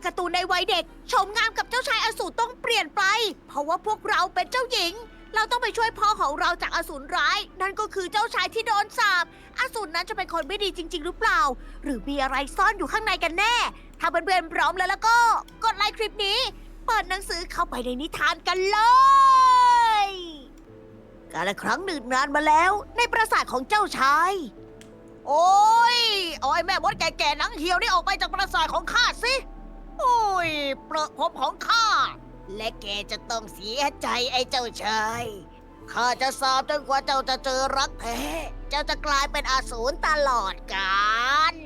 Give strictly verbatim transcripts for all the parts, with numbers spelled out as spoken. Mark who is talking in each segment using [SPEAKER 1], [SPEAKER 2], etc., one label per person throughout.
[SPEAKER 1] การ์ตูนในวัยเด็กโฉมงามกับเจ้าชายอสูรต้องเปลี่ยนไป เพราะว่าพวกเราเป็นเจ้าหญิง เราต้องไปช่วยพ่อของเราจากอสูรร้าย นั่นก็คือเจ้าชายที่โดนสาปอสูรนั้นจะเป็นคนไม่ดีจริง ๆ หรือเปล่า หรือมีอะไรซ่อนอยู่ข้างในกันแน่ ถ้าเพื่อนๆพร้อมแล้วแล้วก็กดไลค์คลิปนี้ เปิดหนังสือเข้าไปในนิทานกันเลยกาลครั้งหนึ่งนานมาแล้วในปราสาทของเจ้าชาย โอ้ยเอาไอ้แม่มดแก่ๆหนังเหี่ยวนี่ออกไปจากปราสาทของข้าสิ โอ้ยเปรอะผมของข้า และแกจะต้องเสียใจไอ้เจ้าชาย ข้าจะสาบจนกว่าเจ้าจะเจอรักแท้ เจ้าจะกลายเป็นอสูรตลอดกาล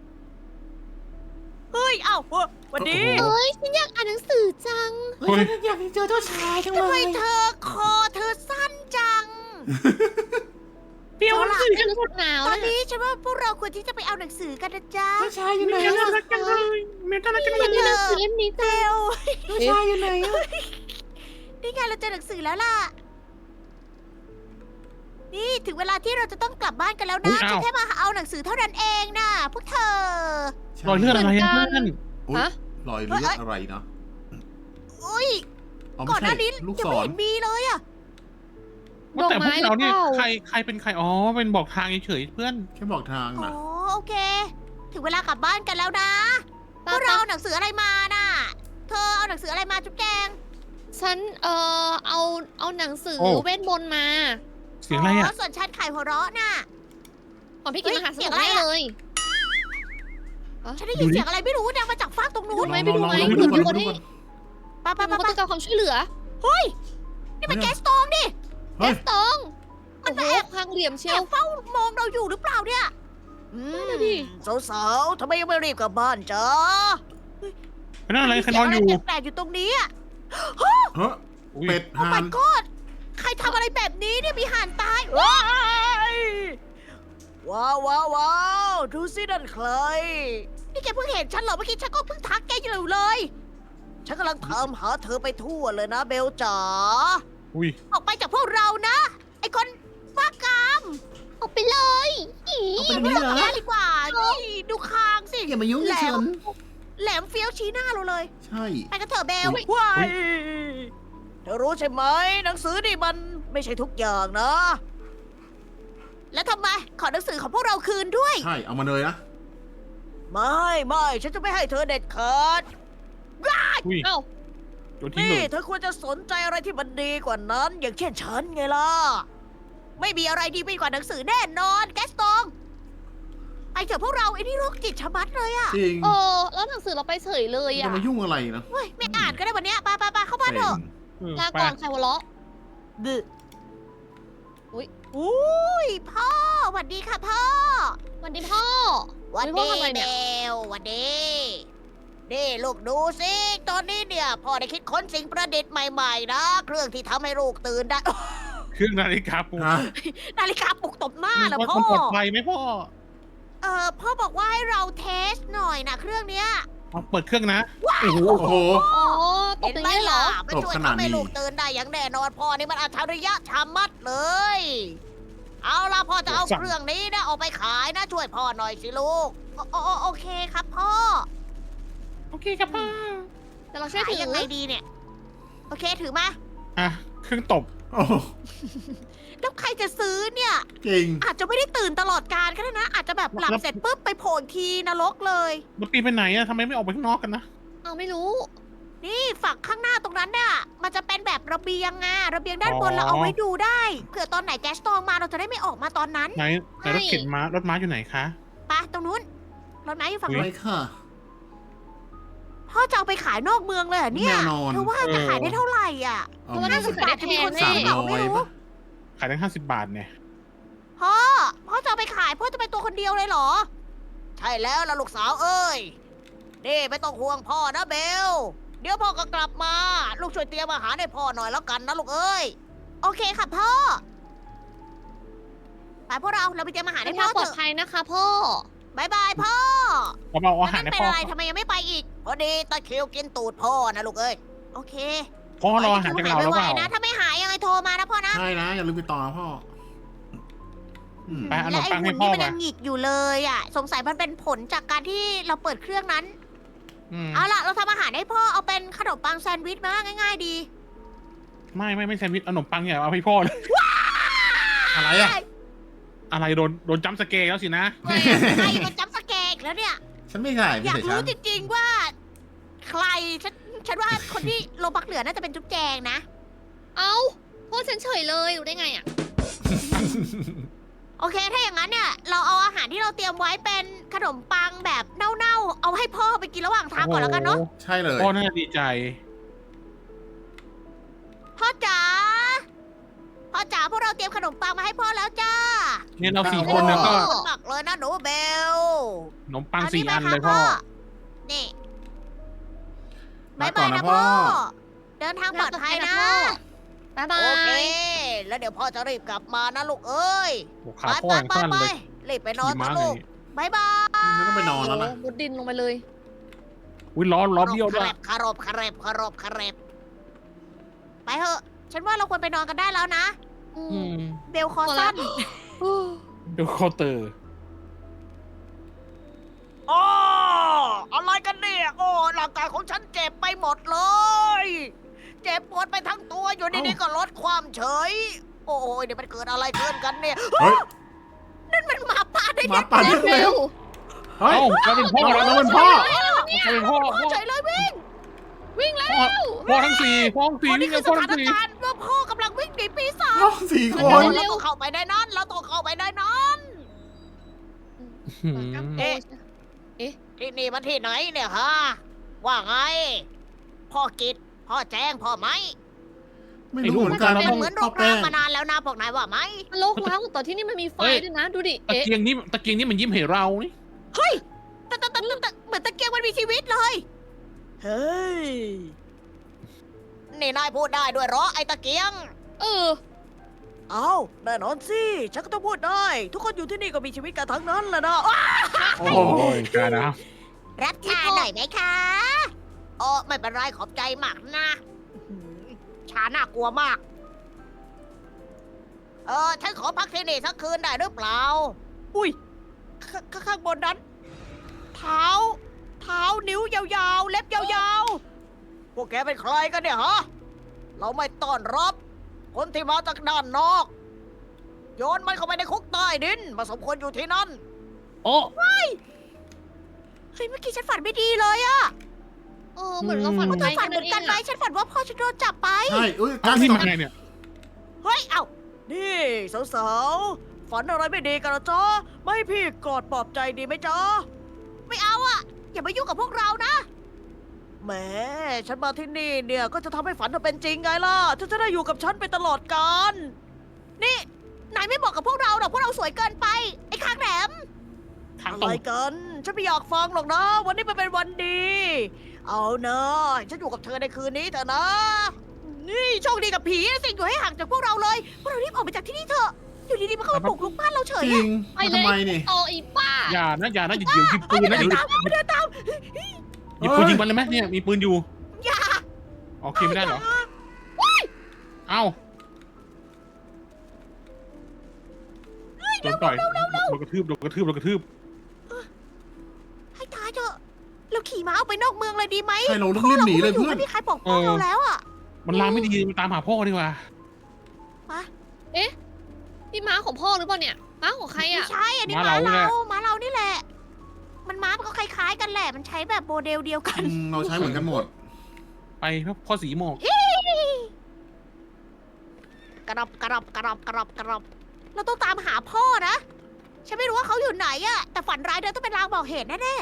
[SPEAKER 1] เฮ้ย เอ้าเฮ้ยวันนี้
[SPEAKER 2] โอ้โห
[SPEAKER 3] เอ้ยฉันอยากอ่านหนังสือจัง
[SPEAKER 2] เฮ้ยฉันอยากเจอเจ้าชายจังเล
[SPEAKER 1] ทำไม
[SPEAKER 2] ย
[SPEAKER 1] เธอคอเธอสั้นจัง
[SPEAKER 3] เปรี้ยวหนังสือกันหมดหนาว
[SPEAKER 1] ตอน
[SPEAKER 3] นะ
[SPEAKER 1] นี้ฉันว่าพวกเราควรที่จะไปเอาหนังสือกันนะจ๊ะ
[SPEAKER 2] เจ้าชายอยู่ไหน
[SPEAKER 3] น่า
[SPEAKER 2] อะ
[SPEAKER 3] รักจังเลยเมตาลักจังเลย
[SPEAKER 1] นี่
[SPEAKER 3] ห
[SPEAKER 1] เธ
[SPEAKER 3] นั
[SPEAKER 1] อ
[SPEAKER 3] งสือเล่มนี้
[SPEAKER 1] เบ
[SPEAKER 3] จัง
[SPEAKER 1] ล
[SPEAKER 2] เจ้าชายอยู่ไหนอะ
[SPEAKER 1] นี่ไงเราเจอหนังสือแล้วล่ะ นี่ถึงเวลาที่เราจะต้องกลับบ้านกันแล้วนะ
[SPEAKER 4] อุ๊ยอ้าว
[SPEAKER 1] ฉันแค่มาเอาหนังสือเท่านั้นเองนะพวกเธอ
[SPEAKER 4] รอยเลือดอะไรอะเพื่อน
[SPEAKER 2] อุ๊ย
[SPEAKER 3] ฮะ
[SPEAKER 2] รอยเลือดอะไรเนาะ
[SPEAKER 1] อุ้ย
[SPEAKER 2] อ๋อ
[SPEAKER 1] ก่
[SPEAKER 2] ไม่
[SPEAKER 1] อนห
[SPEAKER 2] ใช่
[SPEAKER 1] น้านี้
[SPEAKER 2] ลูก
[SPEAKER 1] ยัง
[SPEAKER 2] ศ
[SPEAKER 1] ไม่
[SPEAKER 2] ร
[SPEAKER 1] เห็นมีเลยอะ
[SPEAKER 4] ว่าแต่พวกเราเนี่ย
[SPEAKER 3] ดอกไม้หรือเปล่า
[SPEAKER 4] ใครใครเป็นใครอ๋อเป็นบอกทางเฉยๆเพื่อน
[SPEAKER 2] แค่บอกทาง
[SPEAKER 1] อ๋อ
[SPEAKER 2] นะ
[SPEAKER 1] โอเค ถึงเวลากลับบ้านกันแล้วนะพ
[SPEAKER 3] ป้าว
[SPEAKER 1] กเรา
[SPEAKER 3] ป้า
[SPEAKER 1] เอาหนังสืออะไรมาน่ะ เธอเอาหนังสืออะไรมาจุ๊บแจง
[SPEAKER 3] ฉันเอ่อเอาเอาหนังสือ
[SPEAKER 4] โอ้
[SPEAKER 3] เวทมนต์มา
[SPEAKER 4] เสียงอะไรอ่ะ
[SPEAKER 1] ส่วนฉันไข่หัวเราะน่ะ
[SPEAKER 3] ของพี่กิน
[SPEAKER 1] เฮ้ย
[SPEAKER 3] มหาส
[SPEAKER 1] เสี
[SPEAKER 3] นุ
[SPEAKER 1] ยง
[SPEAKER 3] ก
[SPEAKER 1] อะไร
[SPEAKER 3] ได้
[SPEAKER 1] อะ
[SPEAKER 3] เลย
[SPEAKER 1] ฉันได้ยินเสียงอะไรไม่รู้ดังมาจากฟากตรงนู้น
[SPEAKER 3] ไม่ไปดูไหม
[SPEAKER 2] ลอง
[SPEAKER 3] เผื่อ
[SPEAKER 2] ๆ
[SPEAKER 3] มี
[SPEAKER 2] ๆ
[SPEAKER 3] คนให้
[SPEAKER 2] ดูก่อน
[SPEAKER 1] ไป้า
[SPEAKER 3] เผื่
[SPEAKER 1] ป้า
[SPEAKER 3] อมี
[SPEAKER 1] ป้า
[SPEAKER 3] คนต้องการความช่วยเหลือ
[SPEAKER 1] เฮ้ย นี่มันแก๊สตองดิ
[SPEAKER 2] เฮ้ย
[SPEAKER 3] ตอง
[SPEAKER 1] มั
[SPEAKER 3] โอ้
[SPEAKER 1] น
[SPEAKER 3] โห
[SPEAKER 1] แอบ
[SPEAKER 3] พังเหลี่ยมเชี
[SPEAKER 1] แอ
[SPEAKER 3] ยว
[SPEAKER 1] บเฝ้ามองเราอยู่หรือเปล่าเนี่ย อื
[SPEAKER 3] นั่นน่ะดิ
[SPEAKER 1] สาวๆทำไมยังไม่รีบกลับบ้านจ๊ะ
[SPEAKER 4] เป็นอะไรใครนอนอยู่
[SPEAKER 1] เสีงะไรแปลกๆอยู่ตรงนี้อะ
[SPEAKER 2] เฮ้ย
[SPEAKER 4] อุ๊ย
[SPEAKER 2] เป็ด
[SPEAKER 1] โอ้
[SPEAKER 2] ห่า
[SPEAKER 1] my
[SPEAKER 2] น
[SPEAKER 1] god ใครทำอะไรแบบนี้เนี่ยมีห่านตายว้ายว้าวว้าวว้าวดูสินั่นใคร นี่แกเพิ่งเห็นฉันเหรอเมื่อกี้ฉันก็เพิ่งทักแกอยู่เลย ฉันกำลังตามหาเธอไปทั่วเลยนะเบลจ๋า
[SPEAKER 4] อุ้ย
[SPEAKER 1] ออกไปจากพวกเรานะ ไอ้คนบ้ากาม
[SPEAKER 3] ออกไปเลยอี
[SPEAKER 2] เอาไปตรงนี้เหรอ
[SPEAKER 1] แย่ดีกว่านี่ดูคางสิ
[SPEAKER 2] อย่ามายุ่งกับฉัน
[SPEAKER 1] แหลมเฟี้ยวชี้หน้าเราเลย
[SPEAKER 2] ใช่
[SPEAKER 1] ไปกันเถอะเบล
[SPEAKER 2] อุ๊ย
[SPEAKER 1] ว้ายเธอรู้ใช่ไหม หนังสือนี่มันไม่ใช่ทุกอย่างนะ แล้วทำไม ขอหนังสือของพวกเราคืนด้วย
[SPEAKER 2] ใช่ เอามาเลยนะ
[SPEAKER 1] ไม่ไม่ฉันจะไม่ให้เธอเด็ดขาด
[SPEAKER 4] อุ้ย
[SPEAKER 3] เอ้า
[SPEAKER 4] โดนทิ้ง
[SPEAKER 1] นี่
[SPEAKER 4] เลย
[SPEAKER 1] เธอควรจะสนใจอะไรที่มันดีกว่านั้น อย่างเช่นฉันไงล่ะ ไม่มีอะไรดีไปกว่าหนังสือแน่นอนแกสตองไปเถอะพวกเราไอ้นี่โรคจิตชะมัดเลยอะ
[SPEAKER 2] จริง
[SPEAKER 3] เออแล้วหนังสือเราไปเฉยเลย
[SPEAKER 2] จะ
[SPEAKER 3] อ่ะ
[SPEAKER 2] มายุ่งอะไรนะ
[SPEAKER 1] เฮ้ยไม่อ่านก็ได้วันเนี้ยไปไปไปเข้าบ้านเถอะ
[SPEAKER 4] เออ
[SPEAKER 3] ลา
[SPEAKER 4] ไป
[SPEAKER 3] ก่อนใครหัวเราะ
[SPEAKER 1] บึ
[SPEAKER 3] อุ๊ย
[SPEAKER 1] อุ้ยพ่อหวัดดีค่ะพ่อ
[SPEAKER 3] วันดีพ่อ
[SPEAKER 1] หวัด
[SPEAKER 3] พ่อ
[SPEAKER 1] ดี
[SPEAKER 3] ทำอะไร
[SPEAKER 1] เบ
[SPEAKER 3] เนี่ย
[SPEAKER 1] ลหวัดดีนี่ลูกดูสิ ตอนนี้เนี่ยพ่อได้คิดค้นสิ่งประดิษฐ์ใหม่ๆนะ เครื่องที่ทำให้ลูกตื่นได้
[SPEAKER 4] เครื่องนาฬิกาปลุก
[SPEAKER 2] ฮะ
[SPEAKER 1] นาฬิกาปลุกตบหน้าเหรอ
[SPEAKER 4] มัน
[SPEAKER 1] พ่อ
[SPEAKER 4] ปลอดภัยไหมพ่อ
[SPEAKER 1] เออพ่อบอกว่าให้เราเทสหน่อยนะเครื่องเนี้ย
[SPEAKER 4] เอาเปิดเครื่องนะ โอ้โห
[SPEAKER 2] โอ้โห
[SPEAKER 3] อ๋อต
[SPEAKER 1] เห็
[SPEAKER 3] บ
[SPEAKER 1] น
[SPEAKER 3] อย่าง
[SPEAKER 1] ไหม
[SPEAKER 3] นี้เหร
[SPEAKER 1] ล่ะ
[SPEAKER 3] อ
[SPEAKER 1] มันช่วย
[SPEAKER 2] ตบขนาด
[SPEAKER 1] ทำให้
[SPEAKER 2] นี้
[SPEAKER 1] ลูกตื่นได้อย่างแน่นอนพ่อนี่มันอัจฉริยะชามัดเลย เอาล่ะพ่อจะเอา
[SPEAKER 4] สั่ง
[SPEAKER 1] เครื่องนี้นะเอาไปขายนะช่วยพ่อหน่อยสิลูกโอโอโอโอเคครับพ่อ
[SPEAKER 4] โอเคครับพ่อ
[SPEAKER 3] แต่เราช่วย
[SPEAKER 1] ขาย
[SPEAKER 3] ถือ
[SPEAKER 1] ยังไงดีเนี่ย โอเคถือมา
[SPEAKER 4] อ่ะเครื่องตบ
[SPEAKER 2] โอ้โห
[SPEAKER 1] แล้วใครจะซื้อเนี่ย
[SPEAKER 2] จริง
[SPEAKER 1] อาจจะไม่ได้ตื่นตลอดการก็ได้นะ อาจจะแบบหลับ
[SPEAKER 4] แล้ว
[SPEAKER 1] เสร็จปุ๊บไปโผล่อีกทีนรกเลย
[SPEAKER 4] มันปีนไปไหนอะทำไมไม่ออกไปข้างนอกกันนะ
[SPEAKER 3] เอาไม่รู้
[SPEAKER 1] นี่ฝั่งข้างหน้าตรงนั้นเนี่ยมันจะเป็นแบบระเบียงอะระเบียงด้านบน
[SPEAKER 4] อ๋อ
[SPEAKER 1] เราเอาไว้ดูได้เผื่อตอนไหนแก๊สตองมาเราจะได้ไม่ออกมาตอนนั้น
[SPEAKER 4] ไหนไหนรถเข็นม้ารถม้าอยู่ไหนคะ
[SPEAKER 1] ไปตรงนู้นรถไม้อยู่ฝั่ง
[SPEAKER 2] ไป
[SPEAKER 1] นู้น
[SPEAKER 2] ค่ะ
[SPEAKER 1] พ่อจะเอาไปขายนอกเมืองเลยเหรอเนี่ย
[SPEAKER 2] แน่นอน
[SPEAKER 1] เธอว่าจะขายได้เท่าไหร่อ่ะ
[SPEAKER 2] เอา
[SPEAKER 3] เพราะว่า
[SPEAKER 2] มา
[SPEAKER 3] น่าจะขายได้แพง
[SPEAKER 1] สา
[SPEAKER 3] แน่
[SPEAKER 1] มร้อยปะ
[SPEAKER 4] ขายตั้งห้าสิบบาทเนี่ย
[SPEAKER 1] พ่อพ่อจะเอาไปขายพ่อจะไปตัวคนเดียวเลยเหรอ ใช่แล้วล่ะลูกสาวเอ้ยนี่ไม่ต้องห่วงพ่อนะเบล เดี๋ยวพ่อก็กลับมา ลูกช่วยเตรียมอาหารให้พ่อหน่อยแล้วกันนะลูกเอ้ย โอเคค่ะพ่อ ไปพวกเรา เราไปเตรียมอาหาร
[SPEAKER 3] ให้
[SPEAKER 1] ให้
[SPEAKER 3] พ่
[SPEAKER 1] พ่
[SPEAKER 3] อ
[SPEAKER 1] อ
[SPEAKER 3] ปลอ
[SPEAKER 1] เถ
[SPEAKER 3] ด
[SPEAKER 1] อะ
[SPEAKER 3] ภัยนะคะพ่อ
[SPEAKER 1] บายบายพ่อ
[SPEAKER 4] เราเอาอาหาร
[SPEAKER 1] แล้ว
[SPEAKER 4] ให้
[SPEAKER 1] นั่นเป็น
[SPEAKER 4] พ่อ
[SPEAKER 1] อะไรทำไมยังไม่ไปอีก พอดีตะคริวกินตูดพ่อนะลูกเอ้ย โอเค
[SPEAKER 4] พ่อรออาหารจากเราแล้วเปล่า
[SPEAKER 1] นะ ถ้าไม่หายยังไงโทรมานะพ่อนะ
[SPEAKER 2] ใช่นะ อย่าลืมไปต่อนะพ่ออืม
[SPEAKER 4] ไปเอาขน
[SPEAKER 1] และ
[SPEAKER 4] ม
[SPEAKER 1] ไอ้
[SPEAKER 4] ปัง
[SPEAKER 1] หุ่
[SPEAKER 4] ให้
[SPEAKER 1] น
[SPEAKER 4] พ่อ
[SPEAKER 1] นี่มัน
[SPEAKER 4] ไป
[SPEAKER 1] ยังหงิกอยู่เลยอ่ะ สงสัยมันเป็นผลจากการที่เราเปิดเครื่องนั้น
[SPEAKER 4] อืม
[SPEAKER 1] เอาล่ะ เราทำอาหารารให้พ่อเอาเป็นขนมปังแซนด์วิชมาง่ายๆดี
[SPEAKER 4] ไม่ไม่ไม่แซนด์วิชเอาขนมปังอย่าเอาให้พ่อเลย
[SPEAKER 2] อะไรอ่ะ
[SPEAKER 4] อะไรโดนโดนจัมป์สเกร์แล้วสินะ
[SPEAKER 1] เฮ้ยใครมาจับสแกกแล้วเนี่ย
[SPEAKER 2] ฉันไม่ใช่ไม่
[SPEAKER 1] อยาก
[SPEAKER 2] ใช่ฉั
[SPEAKER 1] รู้
[SPEAKER 2] น
[SPEAKER 1] จริงๆว่า ใครฉันฉันว่าคนที่โลบักเหลือน่าจะเป็นจุ๊บแจงนะ
[SPEAKER 3] เอ้าพ่อฉันเฉยเลยรู้ได้ไงอ่ะ
[SPEAKER 1] โอเค ถ้าอย่างนั้นเนี่ย เราเอาอาหารที่เราเตรียมไว้เป็นขนมปังแบบเน่าๆ เอาให้พ่อไปกินระหว่างทางก่อนแล้วกันเนาะ
[SPEAKER 2] ใช่เลย
[SPEAKER 4] พ่อน่าจะดีใจ
[SPEAKER 1] พ่อจ๋า พ่อจ๋าพวกเราเตรียมขนมปังมาให้พ่อแล้วจ้า
[SPEAKER 4] เนี่ยเราสี่คนเนี่ยก็
[SPEAKER 1] ขอบคุณมากเลยนะหนูเบล
[SPEAKER 4] ขนมปัง
[SPEAKER 1] เอา
[SPEAKER 4] สี่
[SPEAKER 1] ไป
[SPEAKER 4] อัน
[SPEAKER 1] ค่ะ
[SPEAKER 4] เลยพ่อ
[SPEAKER 1] นี่
[SPEAKER 2] มา
[SPEAKER 1] บาย
[SPEAKER 2] ก่อบ
[SPEAKER 1] าน ย
[SPEAKER 2] นะ
[SPEAKER 1] นะ
[SPEAKER 2] พ่
[SPEAKER 1] พ่
[SPEAKER 2] อ
[SPEAKER 1] อ เดินทางปลอดภัยนะ
[SPEAKER 3] บ๊ายบา
[SPEAKER 1] โอเค
[SPEAKER 3] ย
[SPEAKER 1] แล้วเดี๋ยวพ่อจะรีบกลับมานะลูกเอ้ย
[SPEAKER 4] โอ้
[SPEAKER 1] ไป
[SPEAKER 4] ขา
[SPEAKER 1] ไป
[SPEAKER 4] พ่ออย่าง
[SPEAKER 1] ไป
[SPEAKER 4] สั้น
[SPEAKER 1] ไป
[SPEAKER 4] เลย
[SPEAKER 1] รีบไปนอน
[SPEAKER 4] ขี่
[SPEAKER 1] นะ
[SPEAKER 4] ม้า
[SPEAKER 1] ลู
[SPEAKER 4] ไง
[SPEAKER 1] กบายบาย
[SPEAKER 2] ฉันต้องไปนอนแล้วนะ
[SPEAKER 3] มุดดินลงไปเลย
[SPEAKER 4] อุ้ยล้อล้อเบี้ยวด้วย
[SPEAKER 1] คารบคารบคารบคารบไปเถอะ ฉันว่าเราควรไปนอนกันได้แล้วนะ
[SPEAKER 3] อื
[SPEAKER 4] อื
[SPEAKER 3] ม
[SPEAKER 4] ม
[SPEAKER 1] เบลคอสั้น
[SPEAKER 3] อู้
[SPEAKER 4] เดี๋ยวเคาน์เตอร์
[SPEAKER 1] อ๋ออะไรกันเนี่ย โอ้ร่างกายของฉันเจ็บไปหมดเลย เจ็บปวดไปทั้งตัวอยู่ดีๆก็ลดความเฉย โอ้ยเดี๋ยวมันเกิดอะไรขึ้นกันเนี่ย
[SPEAKER 2] เฮ้ย
[SPEAKER 1] นั่นมันหมาป่าได้
[SPEAKER 2] หมาป่า
[SPEAKER 3] เร็
[SPEAKER 2] เร็
[SPEAKER 3] ว
[SPEAKER 2] วเฮ้ย
[SPEAKER 4] เอ้าเราเป็นพ่อ
[SPEAKER 2] เรา
[SPEAKER 4] แล้ว
[SPEAKER 2] เป็นพ่อ
[SPEAKER 4] เราเป็นพ่อ
[SPEAKER 1] พ่อ
[SPEAKER 4] พ่อ
[SPEAKER 1] เฉยเลยวิ่ง
[SPEAKER 3] วิ่งแล้ว
[SPEAKER 4] พ่อพ่อทั้งสี่พ่อทั้งสี่
[SPEAKER 1] อ๋อนี่
[SPEAKER 4] วิ่ง
[SPEAKER 1] คื
[SPEAKER 4] กั
[SPEAKER 1] อบ ส
[SPEAKER 4] พ่อ
[SPEAKER 1] ถา
[SPEAKER 4] ทั้
[SPEAKER 1] น
[SPEAKER 4] งสี่
[SPEAKER 1] การณ์ว่าพ่อกำลังวิ่งหนีปีศาจ
[SPEAKER 2] น้องสี่ค
[SPEAKER 1] เรา
[SPEAKER 2] น
[SPEAKER 1] ต้องเข้าไปในนั้น เราต้องเข้าไปในนั้น
[SPEAKER 4] หืม
[SPEAKER 1] เอ๊ะ ที่นี่มันที่ไหนเนี่ยฮะ ว่าไง พ่อกิดพ่อแจ้งพ่อไหม
[SPEAKER 2] ไม่รู้เหมือนกัน
[SPEAKER 1] มัน
[SPEAKER 2] ต้อง
[SPEAKER 1] เหมือนโร
[SPEAKER 2] พ่อ
[SPEAKER 1] ค
[SPEAKER 2] แป้
[SPEAKER 1] ร้าง
[SPEAKER 2] ง
[SPEAKER 1] มานานแล้วนะพวกนายว่าไหม
[SPEAKER 3] มันโลกร้างแต่ที่นี่มันมีไฟด้วยนะ ดูดิ
[SPEAKER 4] ตะ
[SPEAKER 3] เอ๊ะ
[SPEAKER 4] เกียงนี่ตะเกียงนี่มันยิ้มให้เรานี่
[SPEAKER 1] เฮ้ยแต่แต่แต่แต่เหมือนตะเกียงมันมีชีวิตเลย เฮ้ย นี่นายพูดได้ด้วยเหรอไอ้ตะเกียง
[SPEAKER 3] เออ
[SPEAKER 1] เอาแน่นอนสิ ฉันก็ต้องพูดได้ ทุกคนอยู่ที่นี่ก็มีชีวิตกันทั้งนั้นแหละนะอ้า
[SPEAKER 4] โอ้ยกานะ
[SPEAKER 1] รับชาหน่อยไหมคะโอ้ไม่เป็นไรขอบใจมากนะอื้อหือชาน่ากลัวมาก เออ ฉันขอพักที่นี่สักคืนได้หรือเปล่า อุ้ยขขข้างบนนั้น เท้า เท้านิ้วยาวๆ เล็บยาวๆ พวกแกเป็นใครกันเนี่ยฮะ เราไม่ต้อนรับ คนที่มาจากด้านนอก โยนมันเข้าไปในคุกใต้ดินมาสมควรอยู่ที่นั่น
[SPEAKER 4] โอ้
[SPEAKER 1] เฮ้ย เมื่อกี้ฉันฝันไม่ดีเลยอะ
[SPEAKER 3] เออ เหมือนเราฝัน
[SPEAKER 4] อืม
[SPEAKER 1] เธอฝันเหมือนกันไหมฉันฝันว่าพ่อฉันโดนจับไป
[SPEAKER 2] ใช่อุ้ย
[SPEAKER 4] อ้า
[SPEAKER 2] จ้าว
[SPEAKER 4] นี่
[SPEAKER 2] ส
[SPEAKER 4] มาไงเนี่ย
[SPEAKER 1] เฮ้ย เอ้า นี่สาวๆ ฝันอะไรไม่ดีกันเหรอจ๊ะ ไม่ให้พี่กอดปลอบใจดีไหมจ๊ะ ไม่เอาอะอย่ามายุ่งกับพวกเรานะ แหม ฉันมาที่นี่เนี่ยก็จะทำให้ฝันเธอเป็นจริงไงล่ะเธอจะได้อยู่กับฉันไปตลอดกาล นี่ นายไม่บอกกับพวกเราหรอกพวกเราสวยเกินไป ไอ้คางแหลม
[SPEAKER 4] ทาง
[SPEAKER 1] อะ
[SPEAKER 4] ตร
[SPEAKER 1] ไรง กัน ฉันไม่อยากฟังหรอกนะ วันนี้มันเป็นวันดี เอานะฉันอยู่กับเธอในคืนนี้เถอะนะ นี่โชคดีกับผีนะสิอยู่ให้ห่างจากพวกเราเลย พวกเรารีบออกไปจากที่นี่เถอะ อยู่ดีๆมันเข้ามาปลุกลุกบ้านเราเฉ
[SPEAKER 2] จ
[SPEAKER 1] ย
[SPEAKER 2] ริ
[SPEAKER 1] อะ
[SPEAKER 2] ง
[SPEAKER 3] ไป
[SPEAKER 2] มา
[SPEAKER 3] เลย
[SPEAKER 2] ทำไมนี่
[SPEAKER 3] โตอีป้า
[SPEAKER 4] อย่านะอย่านะอย่าเดี๋ยวหยิบปืนนะหยิบ
[SPEAKER 1] ตามมาเดินตาม
[SPEAKER 4] หยิบปืนยิงมันเลยไหมเนี่ยมีปืนอยู่
[SPEAKER 1] อย่า
[SPEAKER 4] โอเคไม่ได้เหรอเอ้าโดนต่อยโดนกระทืบโดนกระทืบโดนกระทืบ
[SPEAKER 1] ให้ตายเถอะ เราขี่ม้าออกไปนอกเมืองเลยดีไหม
[SPEAKER 2] ใช่เราต้องรีบหนีเลย
[SPEAKER 1] พราะ
[SPEAKER 2] เพื่อน
[SPEAKER 1] ราก็ไม่มีใครปกป้องเราแล้วอะ
[SPEAKER 4] มันลามไม่ดีมันตามหาพ่อดีกว่า
[SPEAKER 3] นี่ม้าของพ่อหรือเปล่าเนี่ย ม้าของใคร
[SPEAKER 1] ไม่
[SPEAKER 3] อ่ะ
[SPEAKER 1] ใช่ อันนี้
[SPEAKER 4] ม้า
[SPEAKER 1] ม้า
[SPEAKER 4] เรา
[SPEAKER 1] เรา ม้าเรานี่แหละ มันม้ามันก็คล้ายๆกันแหละ มันใช้แบบโมเดลเดียวกัน
[SPEAKER 2] อืมเราใช้เหมือนกันหมด
[SPEAKER 4] ไปพ่อสีหมอก
[SPEAKER 1] กระดับกระดับกระดับกระดับกระดับเราต้องตามหาพ่อนะ ฉันไม่รู้ว่าเขาอยู่ไหนอะแต่ฝันร้ายเดินต้องเป็นลางบอกเหตุแน่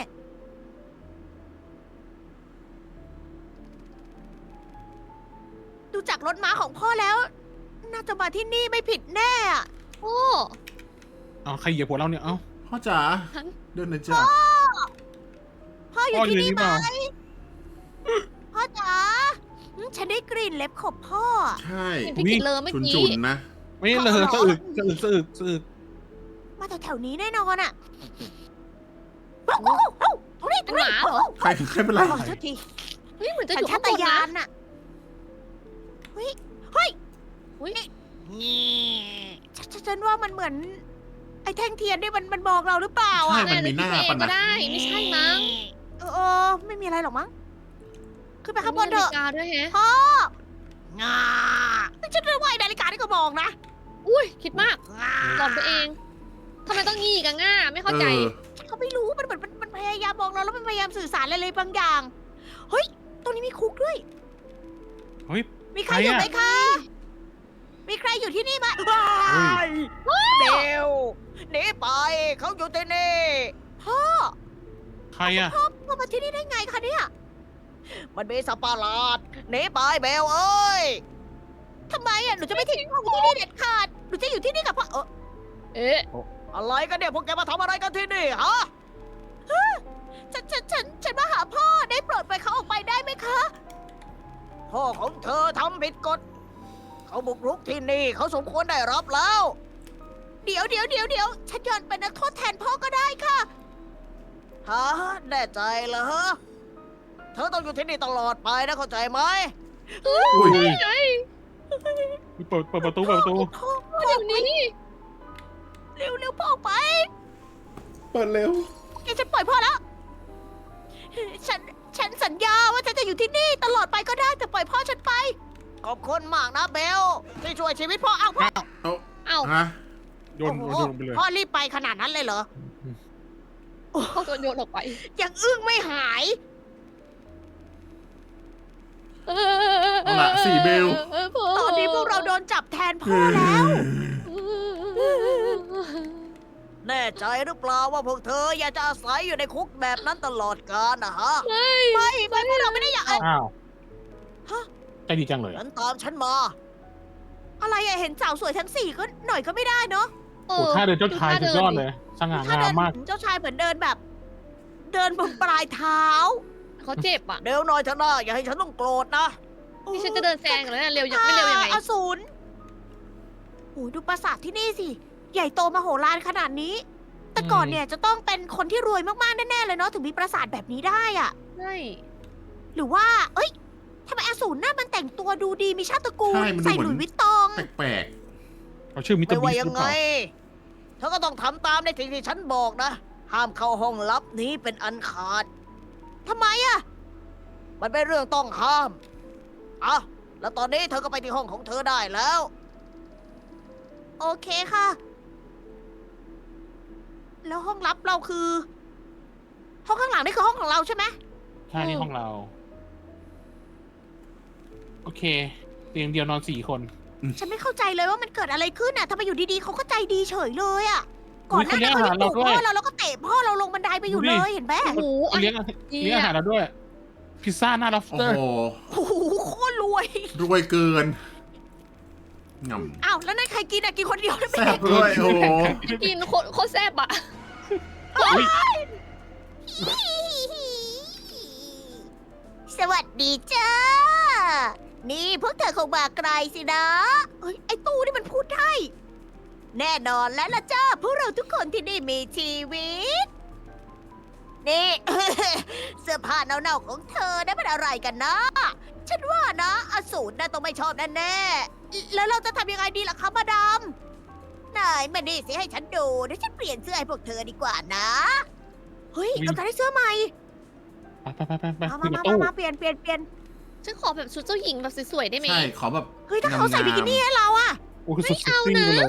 [SPEAKER 1] ๆ ดูจากรถม้าของพ่อแล้ว น่าจะมาที่นี่ไม่ผิดแน่อะ
[SPEAKER 3] โอ้
[SPEAKER 4] เอาใครเหยียบหัวเราเนี่ยเอ้า
[SPEAKER 2] พ่อจ๋า
[SPEAKER 3] ฉัน
[SPEAKER 2] เดินหน่อยจ้า
[SPEAKER 1] พ่ออยู่
[SPEAKER 4] พ่ออยู่
[SPEAKER 1] ที่นี่
[SPEAKER 4] นี่
[SPEAKER 1] ไห
[SPEAKER 4] เป
[SPEAKER 1] ม
[SPEAKER 4] ล่า
[SPEAKER 1] พ่อจ๋าอืมฉันได้กลิ่นเล็บขบพ่อ
[SPEAKER 2] ใช่
[SPEAKER 3] เห็นพี่กิดเลยเมื่อ
[SPEAKER 2] ฉุน
[SPEAKER 3] กี้
[SPEAKER 2] ฉุนๆนะ
[SPEAKER 4] ไม่เลยสะอึกสะอึกสะอึกสะอึก
[SPEAKER 1] มาแถวๆนี้แน่นอนอะเอ้าเอ้าเอ้าตรงนี้ตรงนี้
[SPEAKER 3] เป็นหมาเหรอ
[SPEAKER 2] ใครใครเป็นไร
[SPEAKER 1] ขอโทษที
[SPEAKER 3] เฮ้ยเหมือนจะ
[SPEAKER 1] สั
[SPEAKER 3] อ
[SPEAKER 1] ญ
[SPEAKER 3] ยู่
[SPEAKER 1] ชา
[SPEAKER 3] ข้าง
[SPEAKER 1] ต
[SPEAKER 3] บน
[SPEAKER 1] ญา
[SPEAKER 3] นะ
[SPEAKER 1] ณน่ะ เฮ้ย เฮ้ย
[SPEAKER 3] อุ๊ย
[SPEAKER 1] นี่ฉันฉันฉันว่ามันเหมือน ไอ้แท่งเทียนนี่มันมันมองเราหรือเปล่า
[SPEAKER 2] ใช่
[SPEAKER 1] อ่ะ
[SPEAKER 2] มันมีหน้า
[SPEAKER 3] แน่เลย
[SPEAKER 2] ปะ
[SPEAKER 3] พี่เองก็
[SPEAKER 2] นะ
[SPEAKER 3] ได้ ไม่ใช่มั้ง
[SPEAKER 1] เออเออ ไม่มีอะไรหรอกมั้งขึ้นไปข้างบนเถอะ
[SPEAKER 3] มีนาฬิกาด้วยแฮะ
[SPEAKER 1] พ่องาฉันเรียกว่าไอ้นาฬิกาที่ก็มองนะ
[SPEAKER 3] อุ้ยคิดมาก
[SPEAKER 1] งา
[SPEAKER 3] หลอนตัวเองทำไมต้องงี้กันง่าไม่เข้าใจ
[SPEAKER 2] ออ
[SPEAKER 1] ฉันก็ไม่รู้มันเหมือนมันมันพยายามมองเราแล้วมันพยายามสื่อสารอะไรเลยบางอย่างเฮ้ยตรงนี้มีคุกด้วย
[SPEAKER 4] เฮ้ย
[SPEAKER 1] มีใครอยู่
[SPEAKER 4] ใครอะ
[SPEAKER 1] ไหมคะ มีใครอยู่ที่นี่ไหม
[SPEAKER 4] เฮ้ย
[SPEAKER 1] เร็วหนีไปเขาอยู่ที่นี่พ่อ
[SPEAKER 4] ใครอะ
[SPEAKER 1] พ่อมาที่นี่ได้ไงคะเนี่ยมันมีสัตว์ประหลาดหนีไปเบลเอ้ยทำไมอ่ะหนูจะไม่ทิ้งพ่อที่นี่เด็ดขาดหนูจะอยู่ที่นี่กับพ่อเออ
[SPEAKER 3] เอ๊ะ
[SPEAKER 1] อะไรกันเนี่ยพวกแกมาทำอะไรกันที่นี่ฮะฮะฉันฉันฉันฉันมาหาพ่อได้โปรดปล่อยเขาออกไปได้ไหมคะ พ่อของเธอทำผิดกฎ เขาบุกรุกที่นี่เขาสมควรได้รับแล้ว เดี๋ยวเดี๋ยวเดี๋ยวเดี๋ยวฉันยอมเป็นนักโทษแทนพ่อก็ได้ค่ะฮะแน่ใจเหรอเธอต้องอยู่ที่นี่ตลอดไปนะเข้าใจไหม
[SPEAKER 2] อุ้ย
[SPEAKER 3] ไง
[SPEAKER 4] เปิดเปิดประตูเปิดประตู
[SPEAKER 1] พ่อ
[SPEAKER 3] เดี๋ยวนี้
[SPEAKER 1] เร็วเร็วพ่อออกไป
[SPEAKER 2] เปิดเร็ว
[SPEAKER 1] แกฉันปล่อยพ่อแล้ว ฉัน ฉันสัญญาว่าฉันจะอยู่ที่นี่ตลอดไปก็ได้แต่ปล่อยพ่อฉันไป ขอบคุณมากนะเบล ที่ช่วยชีวิตพ่อเอาพ่อ
[SPEAKER 2] เอา
[SPEAKER 3] เอ้า
[SPEAKER 2] ฮะ
[SPEAKER 4] โยน
[SPEAKER 1] โอ้
[SPEAKER 4] โย
[SPEAKER 1] โห
[SPEAKER 4] นลงไปเลย
[SPEAKER 1] พ่อรีบไปขนาดนั้นเลยเหรอ
[SPEAKER 3] พ่อโดนโยนออกไป
[SPEAKER 1] ยังอึ้งไม่หาย
[SPEAKER 2] เอาละสี่เบล
[SPEAKER 1] ตอนนี้พวกเราโดนจับแทนพ่อแล้ว แน่ใจหรือเปล่าว่าพวกเธออยากจะอาศัยอยู่ในคุกแบบนั้นตลอดกาลนะฮะ
[SPEAKER 3] ไม่
[SPEAKER 1] ไม่ไม่พวกเราไม่ได้อยาก
[SPEAKER 4] อ้าว
[SPEAKER 1] ฮะ
[SPEAKER 4] ใจดีจังเลย
[SPEAKER 1] ฉันตามฉันมา อะไรอะเห็นสาวสวยทั้งสี่ก็หน่อยก็ไม่ได้เนาะ
[SPEAKER 3] เอ
[SPEAKER 4] โอ้
[SPEAKER 3] อ
[SPEAKER 4] ท่าเดินเจ้าชาย
[SPEAKER 3] ดู
[SPEAKER 4] สุด
[SPEAKER 3] ท่
[SPEAKER 4] ยอด
[SPEAKER 3] ดิ
[SPEAKER 4] เลย สง่า
[SPEAKER 1] ถ้าง
[SPEAKER 4] า
[SPEAKER 1] เดิ
[SPEAKER 4] มมาก
[SPEAKER 1] เจ้าชายเหมือนเดินแบบ เดินบนปลายเท้า
[SPEAKER 3] เขาเจ็บอ่ะ
[SPEAKER 1] เร็วหน่อยเถอะนะอย่าให้ฉันต้องโกรธนะ
[SPEAKER 3] นี่ฉันจะเดินแซงแล้วเนี่ยเร็วยังไม่เร็วยังไง
[SPEAKER 1] อสูรโอ้ยดูปราสาทที่นี่สิ ใหญ่โตมโหฬารขนาดนี้ แต่ก่อนเนี่ยจะต้องเป็นคนที่รวยมากๆแน่ๆเลยเนาะถึงมีปราสาทแบบนี้ได้อะ
[SPEAKER 3] ใช่
[SPEAKER 1] หรือว่า เอ้ยทำไมอสูรหน้ามันแต่งตัวดูดีมีชาติตระกูล
[SPEAKER 2] ใช่มันดู
[SPEAKER 1] ใส่
[SPEAKER 2] เหมื
[SPEAKER 1] ห
[SPEAKER 2] อน
[SPEAKER 1] ลุยส์วิตตอง
[SPEAKER 2] แปลก
[SPEAKER 4] เขาชื่อมิสเตอ
[SPEAKER 1] ไม่
[SPEAKER 4] ร์บี
[SPEAKER 1] ว่า
[SPEAKER 4] สห
[SPEAKER 1] ยั
[SPEAKER 4] รื
[SPEAKER 1] ง
[SPEAKER 4] อเป
[SPEAKER 1] ไง
[SPEAKER 4] ล่า
[SPEAKER 1] เธอก็ต้องทำตามในสิ่งที่ฉันบอกนะ ห้ามเข้าห้องลับนี้เป็นอันขาดทำไมอะมันเป็นเรื่องต้องห้ามอ่ะแล้วตอนนี้เธอก็ไปที่ห้องของเธอได้แล้ว โอเคค่ะ แล้วห้องลับเราคือ ห้องข้างหลังนี่คือห้องของเราใช่ไหม
[SPEAKER 4] ใช่นี่ห้องเรา โอเค เตียงเดียวนอนสี่คน
[SPEAKER 1] ฉันไม่เข้าใจเลยว่ามันเกิดอะไรขึ้นน่ะทำไมอยู่ดีๆเขาก็ใจดีเฉยเลยอะก่
[SPEAKER 4] อุ๊
[SPEAKER 1] อน
[SPEAKER 4] ย
[SPEAKER 1] หน้า
[SPEAKER 4] เขา
[SPEAKER 1] นี้
[SPEAKER 4] เลี้ยง
[SPEAKER 1] เขายัง
[SPEAKER 4] อาหาร
[SPEAKER 1] ดุ
[SPEAKER 4] เราด้วย
[SPEAKER 1] พ่อเราแล้วก็เตะพ่อเราลงบันไดไปอยู่
[SPEAKER 4] ดูดิ
[SPEAKER 1] เลยเห็นไหม
[SPEAKER 3] โอ้โห
[SPEAKER 4] เขาเลี้ยงเลี้ยงอาหารเราด้วย พิซซ่าหน้าล็อบ
[SPEAKER 2] ๆ
[SPEAKER 4] ส
[SPEAKER 2] โอ้
[SPEAKER 4] เตอร์
[SPEAKER 2] โห
[SPEAKER 1] โอ้โหโคตรรวย
[SPEAKER 2] รวยเกินง
[SPEAKER 1] อ้าวแล้วนั่นใครกินอะกินคนเดียวได้
[SPEAKER 2] ำ
[SPEAKER 1] ไหม
[SPEAKER 2] แซ่บด้วยโอ้โห
[SPEAKER 3] กินโคตรโคตรแซ่บอ่ะ
[SPEAKER 1] สวัสดีจ้า นี่พวกเธอคงมาไกลสินะเอ้ยไอ้ตู้นี่มันพูดได้ แน่นอนแล้วล่ะจ้า พวกเราทุกคนที่นี่มีชีวิต นี่ เสื้อผ้าเน่าๆของเธอได้เป็นอะไรกันนะ ฉันว่านะอสูรน่าต้องไม่ชอบแน่ๆ แล้วเราจะทำยังไงดีล่ะคะมาดามนายมานี่สิให้ฉันดูเดี๋ยวฉันเปลี่ยนเสื้อให้พวกเธอดีกว่านะ เฮ้ยเราจะได้เสื้อใหม่
[SPEAKER 4] ไปไปไปไป
[SPEAKER 1] มา
[SPEAKER 4] ขึ้น
[SPEAKER 1] มา
[SPEAKER 4] กับ
[SPEAKER 1] มา
[SPEAKER 4] ตู้
[SPEAKER 1] มาเปลี่ยนเปลี่ยนเปลี่ยน
[SPEAKER 3] ฉันขอแบบชุดเจ้าหญิงแบบสวยๆได้ไหม
[SPEAKER 2] ใช่ขอแบบ
[SPEAKER 1] เฮ้ยถ้าเขาใส่บิกินี่ให้เราอะ
[SPEAKER 4] โอ้คือสุด
[SPEAKER 3] ไม่
[SPEAKER 4] เซ็ก
[SPEAKER 3] เอา
[SPEAKER 4] ซี่
[SPEAKER 3] นะ
[SPEAKER 4] ไปเลย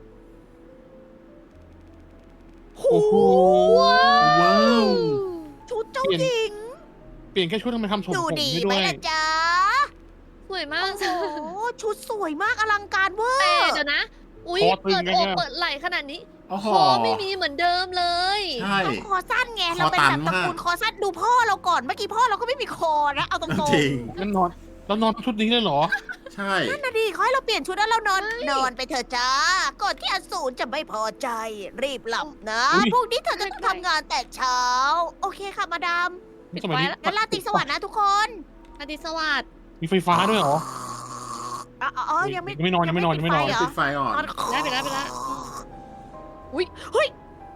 [SPEAKER 1] โห
[SPEAKER 4] โอ้โห
[SPEAKER 2] ว้าว
[SPEAKER 1] ชุดเจ้าหญิง
[SPEAKER 4] เปลี่ยนแค่ชุดทำไมทำผม
[SPEAKER 1] ดู
[SPEAKER 4] ผม
[SPEAKER 1] ดี
[SPEAKER 4] ให้
[SPEAKER 1] ไหม
[SPEAKER 4] ด้วย
[SPEAKER 1] ล่ะจ๊ะ
[SPEAKER 3] สวยมาก
[SPEAKER 1] โอ้โหชุดสวยมากอลังการเวอ
[SPEAKER 3] แต่
[SPEAKER 1] ร์
[SPEAKER 3] เดี๋ยวนะ อุ้ย
[SPEAKER 4] คอตึง
[SPEAKER 3] เปิด
[SPEAKER 4] ไง
[SPEAKER 3] อก
[SPEAKER 4] เนี่ย
[SPEAKER 3] เปิดไหล่ขนาดนี้
[SPEAKER 2] โอ้โห
[SPEAKER 3] คอไม่มีเหมือนเดิมเลย
[SPEAKER 2] ใช่
[SPEAKER 1] ต้องคอสั้นไง
[SPEAKER 2] คอ
[SPEAKER 1] เราเป็น
[SPEAKER 2] ตั
[SPEAKER 1] แบ
[SPEAKER 2] น
[SPEAKER 1] บตระ
[SPEAKER 2] มาก
[SPEAKER 1] กูลคอสั้นดูพ่อเราก่อนเมื่อกี้พ่อเราก็ไม่มีคอนะเอาตรง
[SPEAKER 2] จริง
[SPEAKER 4] งั้นนอนแล้วนอนชุดนี้เลยเหรอ
[SPEAKER 2] ใช่
[SPEAKER 1] ๆนั่นนะดิเขาให้เราเปลี่ยนชุดแล้วเรานอนนอนไปเถอะจ้าก่อนที่อสูรจะไม่พอใจ รีบหลับนะ
[SPEAKER 4] อุ๊ย
[SPEAKER 1] พรุ่งนี้เธอจะต้องทำงานแต่เช้า โอเคค่ะมาดาม
[SPEAKER 4] นี่สมัยนี้
[SPEAKER 1] งั้นลาตรีสวัสดิ์นะทุกคน
[SPEAKER 3] อาทิตย์สวัสดิ์
[SPEAKER 4] มีไฟฟ้าด้วยเหรอ
[SPEAKER 1] อ๋ออ๋อยังไม่
[SPEAKER 4] ยังไม่นอนยังไม่นอนยังไม่นอน
[SPEAKER 1] ปิดฟเหร
[SPEAKER 2] ปิดไฟอ่อน
[SPEAKER 3] ได้ไปแล้วไปแล้ว อุ้ย
[SPEAKER 1] เฮ้ย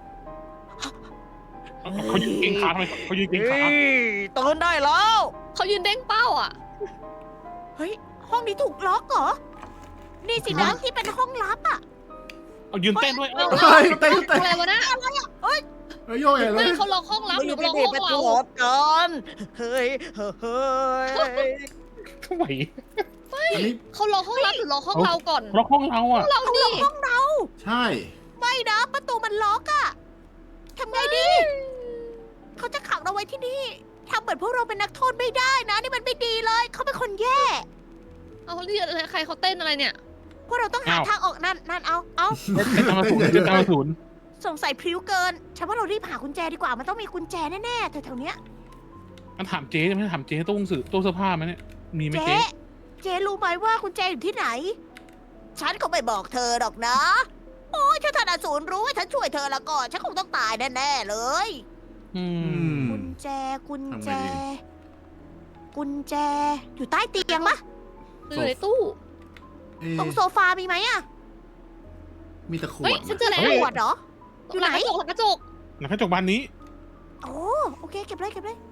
[SPEAKER 4] เขายืนเก่งขาทำไมเขายืนเก่งขา
[SPEAKER 1] ตื่นได้แล้ว
[SPEAKER 3] เขายืนเด้งเป้าอ่ะ
[SPEAKER 1] เฮ้ย ห้องนี้ถูกล็อกเหรอ นี่สินะที่เป็นห้องลับอ่ะ
[SPEAKER 4] เอายืนเต้นด้วยเอ้า
[SPEAKER 2] เฮ้ยเต้นเต้น
[SPEAKER 3] อะไรวะนะ
[SPEAKER 1] อะไรอ่ะเฮ้ย
[SPEAKER 2] เอ้ยโยกใหญ่เล
[SPEAKER 3] เฮ้ย
[SPEAKER 2] ย
[SPEAKER 3] เขาล็อกห้องลับหรือล็อกห้องเรา
[SPEAKER 1] กันเฮ้ยเฮ้ยเฮ้ย
[SPEAKER 4] ทำไม
[SPEAKER 2] อันนี้
[SPEAKER 3] เขาล็อกห้องลับหรือล็อกห้องเราก่อน
[SPEAKER 4] ล็อกห้องเราอ่ะ
[SPEAKER 3] เรา
[SPEAKER 1] เขาล็
[SPEAKER 3] นี่
[SPEAKER 1] อกห้องเรา
[SPEAKER 2] ใช่
[SPEAKER 1] ไม่นะประตูมันล็อกอะทำไงดี เขาจะขังเราไว้ที่นี่ทำเหมือนพวกเราเป็นนักโทษไม่ได้นะ นี่มันไม่ดีเลย เขาเป็นคนแย่
[SPEAKER 3] เอาเรียกอะไรใครเขาเต้นอะไรเนี่ย
[SPEAKER 1] พวกเราต้องหาทางออกนั่นนั่นเอาเอา
[SPEAKER 4] เป็นตามศูนย์เป็นตามศูนย์
[SPEAKER 1] สงสัยพริ้วเกิน ฉันว่าเรารีบหากุญแจดีกว่า มันต้องมีกุญแจแน่ๆแถวๆเนี้ย
[SPEAKER 4] มันถามเจ๊ไม่ถามเจ๊ตู้หนังสือตู้เสื้อผ้าไหมเนี่ยมีไหม
[SPEAKER 1] เจ๊
[SPEAKER 4] เจ๊
[SPEAKER 1] เจ๊รู้ไหมว่ากุญแจอยู่ที่ไหน ฉันก็ไม่บอกเธอหรอกนะ โอ้ยถ้าธนาศูนย์รู้ว่าฉันช่วยเธอแล้วก็ ฉันคงต้องตายแน่ๆเลย
[SPEAKER 4] อื
[SPEAKER 2] อื
[SPEAKER 4] ม
[SPEAKER 2] ม
[SPEAKER 1] กุญแจ กุญแจ
[SPEAKER 2] ทำไงดี
[SPEAKER 1] กุญแจ อยู่ใต้เตียงปะ
[SPEAKER 3] อยู่ในตู้
[SPEAKER 2] เอ๊ะ
[SPEAKER 1] ตรงโซฟามีไหมอะ
[SPEAKER 2] มีแต่ขว
[SPEAKER 3] เฮ้ย
[SPEAKER 2] ด
[SPEAKER 3] ฉันเจอแล้ว
[SPEAKER 1] ขวดเหรอ อยู่ไหน
[SPEAKER 3] ลังกระจกหลังกระจก
[SPEAKER 4] หลังกระจกบานนี้
[SPEAKER 1] โอ้โอเค เก็บเลยเก็บเลย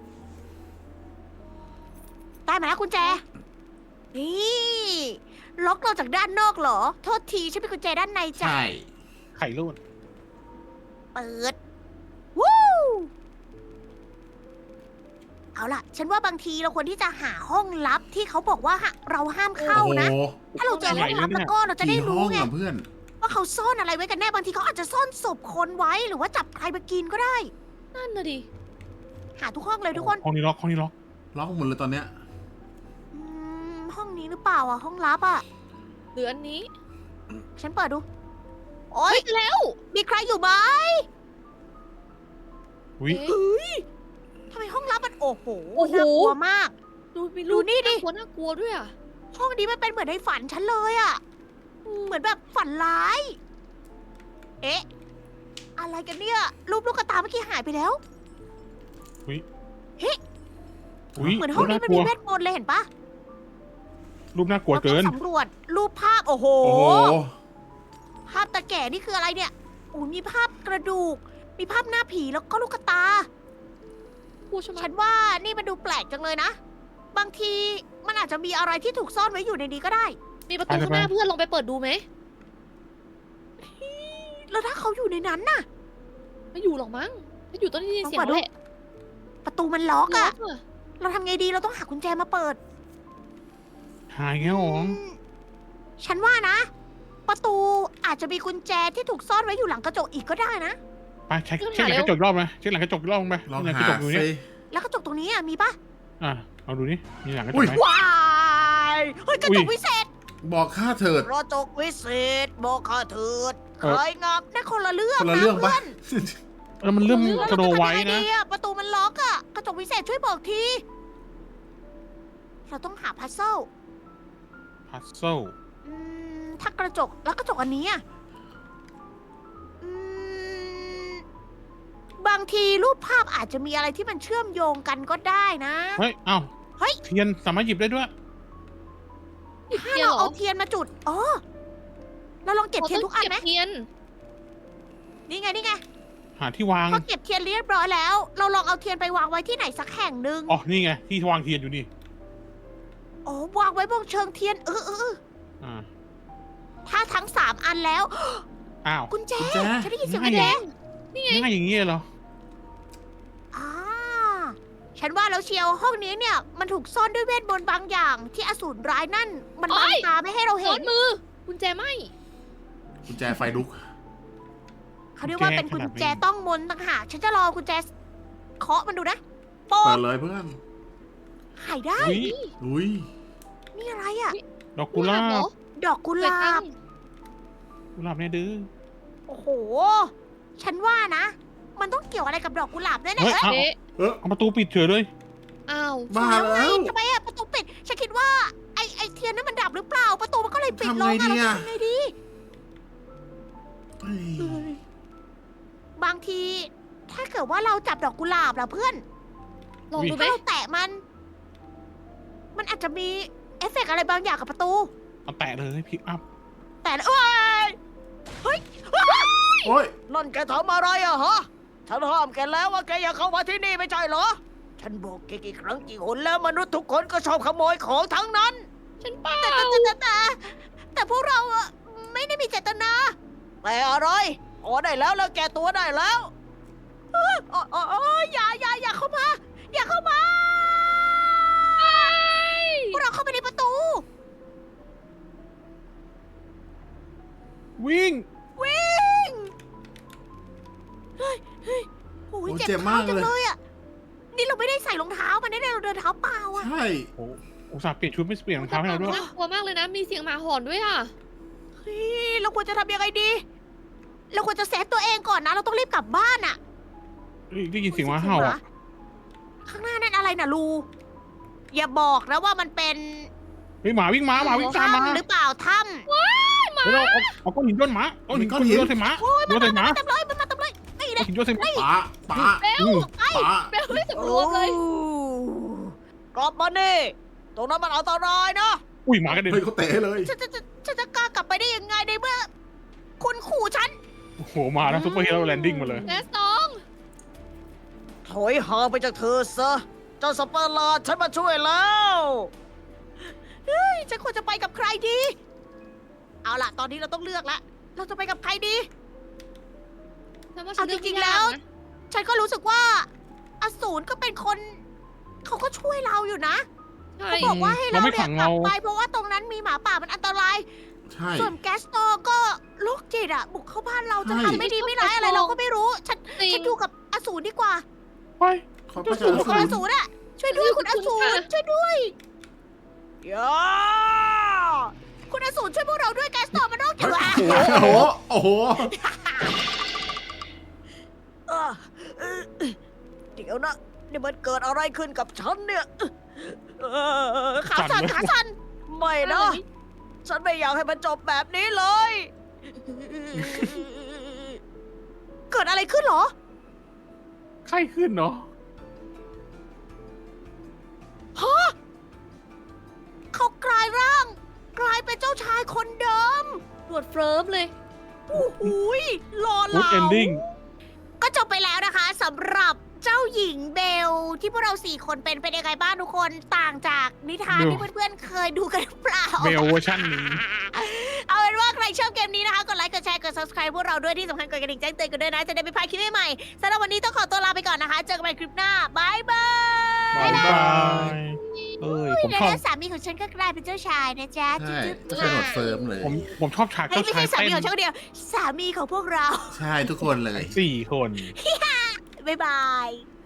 [SPEAKER 1] ได้มาแล้วกุญแจ นี่ ล็อกเราจากด้านนอกเหรอ โทษทีฉันเป็นกุญแจด้านในจ้ะ
[SPEAKER 2] ใช่
[SPEAKER 4] ไข่รูด
[SPEAKER 1] เปิด วู้ เอาล่ะ ฉันว่าบางทีเราควรที่จะหาห้องลับที่เขาบอกว่าหาเราห้ามเข้า
[SPEAKER 2] โอ้โห
[SPEAKER 1] นะ ถ้าเราเจอห้องลับแล้วก็เราจะได้
[SPEAKER 2] กี่ห้
[SPEAKER 1] รู้
[SPEAKER 2] อง
[SPEAKER 1] ไง
[SPEAKER 2] อ่ะเพื่อน
[SPEAKER 1] ว่าเขาซ่อนอะไรไว้กันแน่ บางทีเขาอาจจะซ่อนศพคนไว้ หรือว่าจับใครมากินก็ได้
[SPEAKER 3] นั่นน่ะดิ
[SPEAKER 1] หาทุกห้องเลยทุกคน
[SPEAKER 4] ห้องนี้ล็อกห้องนี้ล็อก
[SPEAKER 2] ล็อกหมดเลยตอนเนี้ย
[SPEAKER 1] อืม ห้องนี้หรือเปล่าอ่ะ ห้องลับอ่ะ
[SPEAKER 3] เหลืออันนี้
[SPEAKER 1] ฉันเปิดดู โอ๊ย
[SPEAKER 3] เฮ้ยแล้ว
[SPEAKER 1] มีใครอยู่ไหม
[SPEAKER 4] อุ้ย
[SPEAKER 3] เอ๊ะ
[SPEAKER 1] เฮ้ยทำไมห้องลับมันโอ้โห
[SPEAKER 3] โอ้โห
[SPEAKER 1] น่ากลัวมาก
[SPEAKER 3] ดูมี
[SPEAKER 1] ดู
[SPEAKER 3] รูป
[SPEAKER 1] นี่ดิ
[SPEAKER 3] ากลัวน่ากลัวด้วยอ่ะ
[SPEAKER 1] ห้องนี้มันเป็นเหมือนในฝันฉันเลยอะเหมือนแบบฝันร้าย เอ๊ะ อะไรกันเนี่ย รูปลูกกระตาเมื่อกี้หายไปแล้ว
[SPEAKER 4] อุ้ย
[SPEAKER 1] เหมือนห้องนี้มัน
[SPEAKER 4] ากลั
[SPEAKER 1] มี
[SPEAKER 4] ว
[SPEAKER 1] เวทมนต์เลยเห็นปะ
[SPEAKER 4] รูปน่ากลัว
[SPEAKER 1] เรา
[SPEAKER 4] เกิ
[SPEAKER 1] ต้อน งสำรวจรูปภาพ โอ้โห
[SPEAKER 2] โอ้โห
[SPEAKER 1] ภาพตาแก่นี่คืออะไรเนี่ยโอ้ยมีภาพกระดูก มีภาพหน้าผีแล้วก็ลูกกระตา
[SPEAKER 3] กูใช่ไหม
[SPEAKER 1] ฉันว่านี่มันดูแปลกจังเลยนะ บางทีมันอาจจะมีอะไรที่ถูกซ่อนไว้อยู่ในนี้ก็ได้
[SPEAKER 3] มีประตูข้างหน้าเพื่อนลองไปเปิดดูไหม
[SPEAKER 1] แล้วถ้าเขาอยู่ในนั้นน่ะ
[SPEAKER 3] ไม่อยู่หรอกมั้งถ้าอยู่ต้องได้ยินเสียง
[SPEAKER 1] ลองเปิดดู
[SPEAKER 3] แหละ
[SPEAKER 1] ประตูมันล็อก
[SPEAKER 3] ล็อ
[SPEAKER 1] อะ
[SPEAKER 3] กอะ
[SPEAKER 1] เราทำไงดี เราต้องหากุญแจมาเปิด
[SPEAKER 4] หายแล้วเหรอ
[SPEAKER 1] อืมฉันว่านะ ประตูอาจจะมีกุญแจที่ถูกซ่อนไว้อยู่หลังกระจกอีกก็ได้นะ
[SPEAKER 4] ไปเช็คเช็คหลังกระจกอีกรอบไหมเช็คหลังกระจกอีกรอบไหม
[SPEAKER 2] ลอง
[SPEAKER 4] หลังก
[SPEAKER 2] หา
[SPEAKER 4] ระจกอยู่เนี่ย
[SPEAKER 2] ซิ
[SPEAKER 1] แล้วกระจกตรงนี้อ่ะมีปะ
[SPEAKER 4] อ่ะเอาดูนี่มีหลังกระจ
[SPEAKER 2] อุ้
[SPEAKER 4] ก
[SPEAKER 2] ย
[SPEAKER 4] ไหม
[SPEAKER 1] ว้ายเฮ้ยกระจก
[SPEAKER 4] อุ้ย
[SPEAKER 1] วิเศษ
[SPEAKER 2] บอกค่าเถิด
[SPEAKER 1] กระจกวิเศษบอกข้าเถิด
[SPEAKER 4] เออ
[SPEAKER 1] ใครงามนั่นคนละเรื่อง
[SPEAKER 2] คนละเรื่อง
[SPEAKER 1] นะ
[SPEAKER 2] ปะ
[SPEAKER 1] เพื่อน
[SPEAKER 4] แล้วมันเริ่ม
[SPEAKER 1] แล้ว
[SPEAKER 4] กระโด
[SPEAKER 1] เรา
[SPEAKER 4] ด
[SPEAKER 1] จะ
[SPEAKER 4] ไว้
[SPEAKER 1] ทำยังไง
[SPEAKER 4] นะ
[SPEAKER 1] ดีอะประตูมันล็อกอะกระจกวิเศษช่วยบอกที เราต้องหาพัซเซิล
[SPEAKER 4] พัซเซิล
[SPEAKER 1] อืมถ้ากระจกแล้วกระจกอันนี้อะอืมบางทีรูปภาพอาจจะมีอะไรที่มันเชื่อมโยงกันก็ได้นะ
[SPEAKER 4] เฮ้ยเอ้า
[SPEAKER 1] เฮ้ย
[SPEAKER 4] เทียนสามารถหยิบได้ด้วย
[SPEAKER 3] หยิบ
[SPEAKER 1] ถ้า
[SPEAKER 3] เทียน
[SPEAKER 1] เรา
[SPEAKER 3] เหรอ
[SPEAKER 1] เอาเทียนมาจุดอ๋อเราลองเก็บเทียนทุกอันไหม
[SPEAKER 3] ราต้งเบเทียน
[SPEAKER 1] นี่ไงนี่ไง
[SPEAKER 4] หาที่วาง
[SPEAKER 1] พอเก็บเทียนเรียบร้อยแล้ว เราลองเอาเทียนไปวางไว้ที่ไหนสักแห่งหนึ่ง
[SPEAKER 4] อ๋อนี่ไงที่วางเทียนอยู่นี่
[SPEAKER 1] โอ้วางไว้บนเชิงเทียนเออเออเออ
[SPEAKER 4] อ่า
[SPEAKER 1] ถ้าทั้งสามอันแล้ว
[SPEAKER 4] อ้าว
[SPEAKER 1] กุญแจ
[SPEAKER 2] กุญแจ
[SPEAKER 1] ฉันได้ยินเสียง
[SPEAKER 4] ง่า
[SPEAKER 1] กุ
[SPEAKER 4] ย
[SPEAKER 1] ญแจ
[SPEAKER 4] ง่ายอย่างนี้เหรอ
[SPEAKER 1] อ่าฉันว่าแล้วเชียวห้องนี้เนี่ย มันถูกซ่อนด้วยเวทมนต์บางอย่าง ที่อสูรร้ายนั่น มันบังตาไม่ให้เรา
[SPEAKER 3] ซ้
[SPEAKER 1] เห็
[SPEAKER 3] อน นมือกุญแจไหม
[SPEAKER 2] กุญแจไฟลุก
[SPEAKER 1] เขาเรียกว่าเป็นกุญแจต้องมนต์ต่างหากฉันจะรอกุญแจเคาะมันดูนะโป๊
[SPEAKER 2] เปิ
[SPEAKER 1] ะ
[SPEAKER 2] ดเลยเพื่อน
[SPEAKER 1] หายได้
[SPEAKER 4] อุ้ย
[SPEAKER 2] อุ้ย
[SPEAKER 1] นี่อะไรอ่ะ
[SPEAKER 4] ดอกกุหลา
[SPEAKER 3] เหรอบ
[SPEAKER 1] ดอกกุหลาบ
[SPEAKER 4] กุหลาบเนี่ยดื้อ
[SPEAKER 1] โอ้โห ฉันว่านะ มันต้องเกี่ยวอะไรกับดอกกุหลาบแน่ๆ
[SPEAKER 4] เฮ้ย
[SPEAKER 1] เอ้ย
[SPEAKER 4] เอา
[SPEAKER 3] เอ๊ะ
[SPEAKER 2] เออ
[SPEAKER 4] เอาประตูปิดเฉยเลย
[SPEAKER 3] อ้าว
[SPEAKER 2] บ้า
[SPEAKER 1] แล้วไง
[SPEAKER 2] แล้ว
[SPEAKER 1] ทำไมอะประตูปิด ฉันคิดว่าไอไอเทียนนั้นมันดับหรือเปล่า ประตูมันก็เลยปิดลง
[SPEAKER 2] ทำไงดี
[SPEAKER 1] อะ
[SPEAKER 2] อะ
[SPEAKER 1] เราจะทำไงดี
[SPEAKER 2] เฮ้ย
[SPEAKER 1] บางที ถ้าเกิดว่าเราจับดอกกุหลาบล่ะเพื่อน
[SPEAKER 3] ลองดูไหม
[SPEAKER 1] ถ้าเราแตะมัน มันอาจจะมีเอฟเฟกต์อะไรบางอย่างกับประตู
[SPEAKER 4] เอาแตะเลยพิกอัพ
[SPEAKER 1] แต่เอ้ยเฮ้ย
[SPEAKER 2] โอ้ย
[SPEAKER 1] นั่นแกทำอะไรอะฮะ ฉันห้ามแกแล้วว่าแกอย่าเข้ามาที่นี่ไม่ใช่เหรอ ฉันบอกแกกี่ครั้งกี่หนแล้วมนุษย์ทุกคนก็ชอบขโมยของทั้งนั้น
[SPEAKER 3] ฉันเปล่า
[SPEAKER 1] แต่แต่แต่แต่แต่พวกเราอะไม่ได้มีเจตนา แต่อะไรพอได้แล้วแล้วแกตัวได้แล้วเฮ้ยโอ้โอ้โอ้อย่าอย่าอย่าเข้ามา อย่าเข้ามาพวกเราเข้าไปในประตู
[SPEAKER 4] วิ่ง
[SPEAKER 1] วิ่ง เฮ้ยเฮ้ยโอ้ย
[SPEAKER 2] โอ้
[SPEAKER 1] เจ็บ
[SPEAKER 2] เจ็บ
[SPEAKER 1] เท้าม
[SPEAKER 2] าก
[SPEAKER 1] จัง
[SPEAKER 2] เลย
[SPEAKER 1] เลยอ่ะ นี่เราไม่ได้ใส่รองเท้ามันได้เราเดินเท้าเปล่าอ่ะ
[SPEAKER 2] ใช่
[SPEAKER 4] โอ้อุตส่าห์เปลี่ยนชุดไม่เปลี่ยนรองเท้าให้เราด้วย
[SPEAKER 3] น่ากลัวมากเลยนะ มีเสียงหมาหอนด้วยอ่ะ
[SPEAKER 1] เฮ้ยเราควรจะทำยังไงดี เราควรจะเซฟตัวเองก่อนนะ เราต้องรีบกลับบ้านอ่ะ
[SPEAKER 4] เฮ้ยได้ยินเสียงหมาเห่าอ่ะ
[SPEAKER 1] ข้างหน้านั่นอะไรน่ะลู อย่าบอกนะว่ามันเป็น
[SPEAKER 4] เฮ้ยหมาวิ่งมาหมาวิ่งตามมา
[SPEAKER 1] ถ้ำหรือเปล่าถ้
[SPEAKER 4] เฮ้ยเราเอาเอาก้อนหินโยนหมาเอาหินก้อนหินโยนใส่หมา
[SPEAKER 1] ำโอ้ย
[SPEAKER 4] โย
[SPEAKER 1] มัน
[SPEAKER 4] นใส่หมา
[SPEAKER 1] มาเต็มเลยมันมาเต็มเลยนี่
[SPEAKER 4] เอา
[SPEAKER 1] นะ
[SPEAKER 4] หินโยนใส่หมา
[SPEAKER 2] ป๋าป๋า
[SPEAKER 3] เบล
[SPEAKER 2] ป๋า
[SPEAKER 3] เบลไม่สำรวมเลย
[SPEAKER 1] กลับมานี่ตรงนั้นมันอันตรายนะ
[SPEAKER 4] อุ้ยหมากระเด็น
[SPEAKER 2] เฮ้ยเขาเตะเลย
[SPEAKER 1] ฉันจะจะฉันจะกล้ากลับไปได้ยังไงในเมื่อคุณขู่ฉัน
[SPEAKER 4] โอ้โหมาแล้วซุปเปอร์ฮีโร่แลนดิ้งมาเลย
[SPEAKER 3] แกสตอง
[SPEAKER 1] ถอยห่างไปจากเธอซะ เจ้าสเปอร์ลาร์ฉันมาช่วยแล้ว เฮ้ย ฉันควรจะไปกับใครดี เอาล่ะ ตอนนี้เราต้องเลือกแล้ว เราจะไปกับใครดี
[SPEAKER 3] ฉันว่าฉั
[SPEAKER 1] เอา
[SPEAKER 3] น
[SPEAKER 1] จ
[SPEAKER 3] เลือก
[SPEAKER 1] ริง
[SPEAKER 3] ไม่
[SPEAKER 1] ๆแล้
[SPEAKER 3] ยาว กนะ
[SPEAKER 1] ฉันก็รู้สึกว่าอสูรก็เป็นคน เขาก็ช่วยเราอยู่นะ
[SPEAKER 3] ใช่
[SPEAKER 1] เขาบอกว่าให้เรา
[SPEAKER 4] เราไม่
[SPEAKER 1] เนี่ย
[SPEAKER 4] ขัง
[SPEAKER 1] กลับ
[SPEAKER 4] เรา
[SPEAKER 1] ไปเพราะว่าตรงนั้นมีหมาป่ามันอันตราย
[SPEAKER 2] ใช่
[SPEAKER 1] ส่วนแกสโตก็โรคจิตอะบุกเข้าบ้านเราจะ
[SPEAKER 2] ใช่
[SPEAKER 1] ทำไม่ดีไม่ร้ายอะไรเราก็ไม่รู้ ฉัน
[SPEAKER 3] จริง
[SPEAKER 1] ฉันอยู่กับอสูรดีกว่า
[SPEAKER 4] ไป
[SPEAKER 2] เขาไป
[SPEAKER 1] อ
[SPEAKER 2] เจอ
[SPEAKER 1] สูร
[SPEAKER 2] สู
[SPEAKER 1] คุณอ
[SPEAKER 2] ร
[SPEAKER 1] สูรอะช่วยด้วยคุณอสูรช่วยด้วยอย่าคุณอสูรช่วยพวกเราด้วยแกสโตมันโรคจิ
[SPEAKER 2] เฮ้
[SPEAKER 1] ต
[SPEAKER 2] ย
[SPEAKER 1] อะ
[SPEAKER 2] โอ้โหโอ้โห
[SPEAKER 1] เออเออเดี๋ยวนะนี่มันเกิดอะไรขึ้นกับฉันเนี่ยเออขาสั่นขาสั่นไม่นะ ฉันไม่อยากให้มันจบแบบนี้เลย เกิดอะไรขึ้นเหรอ
[SPEAKER 4] ไข้ขึ้นเนาะ
[SPEAKER 1] ฮะเขากลายร่าง กลายเป็นเจ้าชายคนเดิม
[SPEAKER 3] ตรวจเฟิร์มเลย
[SPEAKER 1] โอ้โหยหล่อ
[SPEAKER 4] กูด
[SPEAKER 1] เหลา
[SPEAKER 4] เอนดิ้ง
[SPEAKER 1] ก็จบไปแล้วนะคะสำหรับเจ้าหญิงเบล ที่พวกเราสี่คนเป็นเป็นยังไงบ้างทุกคนต่างจากนิทานที่เพื่อนๆเคยดูกันหรือเปล่า
[SPEAKER 4] เบลเวอร์ชันนี้
[SPEAKER 1] เอาเป็นว่าใครชอบเกมนี้นะคะ กดไลค์ กดแชร์ กด subscribe พวกเราด้วยที่สำคัญกดกระดิ่งแจ้งเตือนกันด้วยนะ จะได้ไม่พลาดคลิปใหม่ๆสำหรับวันนี้ต้องขอตัวลาไปก่อนนะคะ เจอกันใหม่คลิปหน้าบายบาย
[SPEAKER 4] บายบายเอ้ย ผม
[SPEAKER 1] และ
[SPEAKER 4] ชอบ
[SPEAKER 1] แล้วสามีของฉันก็กลายเป็นเจ้าชายนะจ๊ะ
[SPEAKER 2] ใช่
[SPEAKER 1] จุ๊บ
[SPEAKER 2] ก็ใช่หนวดเฟิร์มเลย
[SPEAKER 4] ผมผมชอบฉาก
[SPEAKER 1] ๆเฮ้ย
[SPEAKER 4] เจ้า
[SPEAKER 1] ไม่
[SPEAKER 4] ชาย
[SPEAKER 1] ใช่สา
[SPEAKER 4] เต้
[SPEAKER 1] มี
[SPEAKER 4] น
[SPEAKER 1] ของฉันคนเดียว สามีของพวกเรา
[SPEAKER 2] ใช่ทุกคนเลย
[SPEAKER 4] สี่คน
[SPEAKER 1] บ๊ายบาย